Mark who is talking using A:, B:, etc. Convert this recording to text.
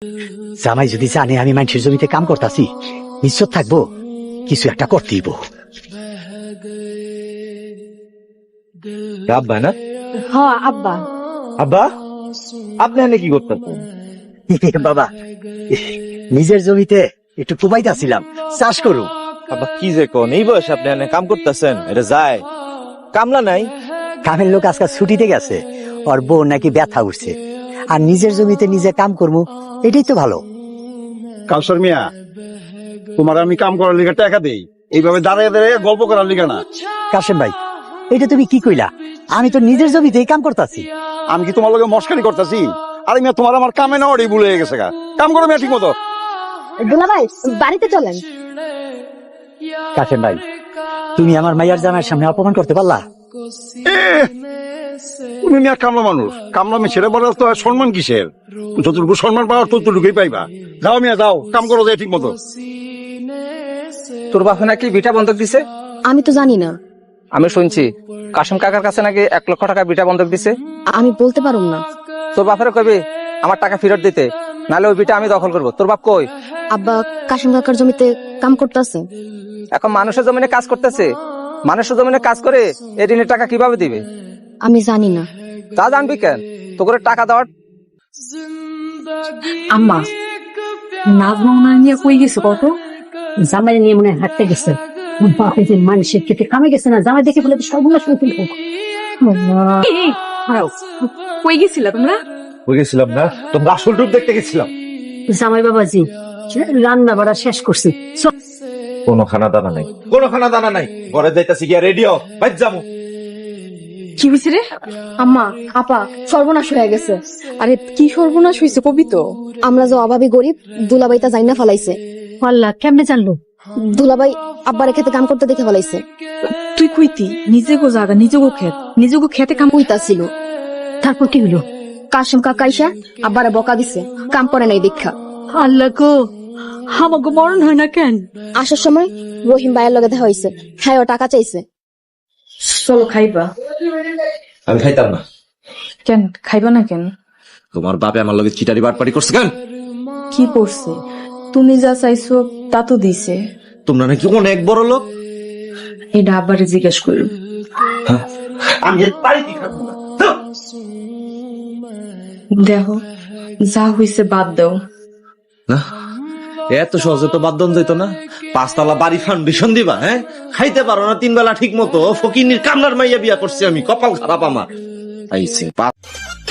A: জামাই যদি জানে আমি মানুষের জমিতে কাম করতেছি, নিশ্চয় থাকবো কিছু একটা করতেইব।
B: আব্বা না?
C: হ আব্বা।
B: আব্বা আপনি এনে কি করতেছেন?
A: বাবা, নিজের জমিতে একটু কুবাইতেছিলাম, চাষ করুম।
B: আব্বা কি যে কোন, এই বয়সে আপনি এনে কাম করতেছেন? এটা যায়, কামলা নাই?
A: কামের লোক আজকাল ছুটিতে গেছে, ওর বউ নাকি ব্যথা উঠছে, আর নিজের জমিতে নিজে কাম করবো, এটাই তো ভালো।
D: কাউসার মিয়া, তোমার আমি কাম করার লিগা টাকা দেই, এইভাবে দাঁড়িয়ে দাঁড়িয়ে গল্প করার লিগা না।
A: কাশেম ভাই, এটা তুমি কি কইলা? আমি তো নিজের জমিতেই কাম করতেছি।
D: আমি কি তোমার লগে মস্কারি করতেছি? আরে মিয়া, তোমার আমার কামে না ওটাই ভুলে গেছে গা। কাম করো মিয়া ঠিক মতো।
C: দুলাভাই বাড়িতে চলেন।
A: কাশেম ভাই, তুমি আমার মাইয়ার জামাইয়ের সামনে অপমান করতে পারলা?
D: তুমি মিয়া কামলা মানুষ, কামলা মেয়ে ছেড়ে বলার তো আর সম্মান কিসের? যতটুকু সম্মান পাওয়ার ততটুকুই পাইবা। যাও মিয়া যাও, কাম করো যায় ঠিক মতো।
E: তোর বাপে নাকি বিটা বন্ধক দিছে?
C: আমি তো জানি না।
E: আমি শুনছি কাশিম কাকার কাছে নাকি 1 লক্ষ টাকা বিটা বন্ধক দিছে।
C: আমি বলতে পারুম না।
E: তোর বাপের কবি আমার টাকা ফেরত দিতে, নাহলে ওই বিটা আমি দখল করবো। তোর বাপ কই?
C: আব্বা কাশিম কাকার জমিতে কাম করতেছে।
E: এখন মানুষের জমিনে কাজ করতেছে, মানুষের জমিনে কাজ করে এই ঋণের টাকা কিভাবে দিবে?
C: আমি জানি না।
E: তা জানবি কেন? তো করে টাকা দেওয়ার।
F: আম্মা, নাজমা মনে নিয়ে কই গেছে? কত জামাই নিয়ে মনে হাঁটতে গেছে। বাপে যে মানুষের খেতে কামে গেছে না, জামাই দেখে বলে সর্বনাশ হয়ে ফেলবো।
G: কই গেছিলা তোমরা?
B: হয়ে গেছিলাম না, তোমরা আসল রূপ দেখতে গেছিলাম।
F: জামাই বাবাজি রান্না বাড়া শেষ করছি।
B: কোনো খানা দানা নাই, কোনো খানা দানা নাই। ঘরে যাইতাছি গিয়া রেডিও বাইর যাবো।
G: কি হয়েছে রে?
C: আম্মা আপা সর্বনাশ হয়ে গেছে।
G: আরে কি সর্বনাশ হয়েছে কবি তো?
C: আমরা যে অভাবী গরিব, দুলাভাই তা জাইনা ফেলাইছে।
F: আল্লাহ, কেমনে জানলো?
C: দুলাভাই আব্বার খেতে কাম করতে দেখে ফেলাইছে।
G: তুই কইতি নিজে গো জায়গা, নিজে গো খেত, নিজে গো খেতে কাম
C: কইতা ছিল।
F: তারপর কি হলো?
C: কাশিম কাকা আইসা আব্বারে বকা দিছে, কাম করে নাই দীক্ষা।
F: আল্লাহ গো, আমাকে মরণ হয় না কেন?
C: আসার সময় রহিম ভাইয়ের লগে দেখা হয়েছে, হ্যাঁ ও টাকা চাইছে।
G: চলো খাইবা।
B: আমি খাইতাম না।
G: কেন খাইবা না কেন?
B: তোমার বাপে আমার লগে চিটারি বাটপারি করছে কেন?
G: কি করছে? তুমি যা চাইছো তা তো দিছে।
B: তোমরা নাকি অনেক বড় লোক।
G: এটা আব্বারে জিজ্ঞেস করো।
B: আমি এর বাড়িতে খাবো না।
G: দেখো যা হইছে বাদ দাও।
B: না, এত সহজে তো বাদ দিত না। 5 তলা বাড়ি ফাউন্ডেশন দিবা? হ্যাঁ, খাইতে পারো না 3 বেলা ঠিক মতো। ফকিনির কামলার মাইয়া বিয়া করছি আমি, কপাল খারাপ আমার। আইছে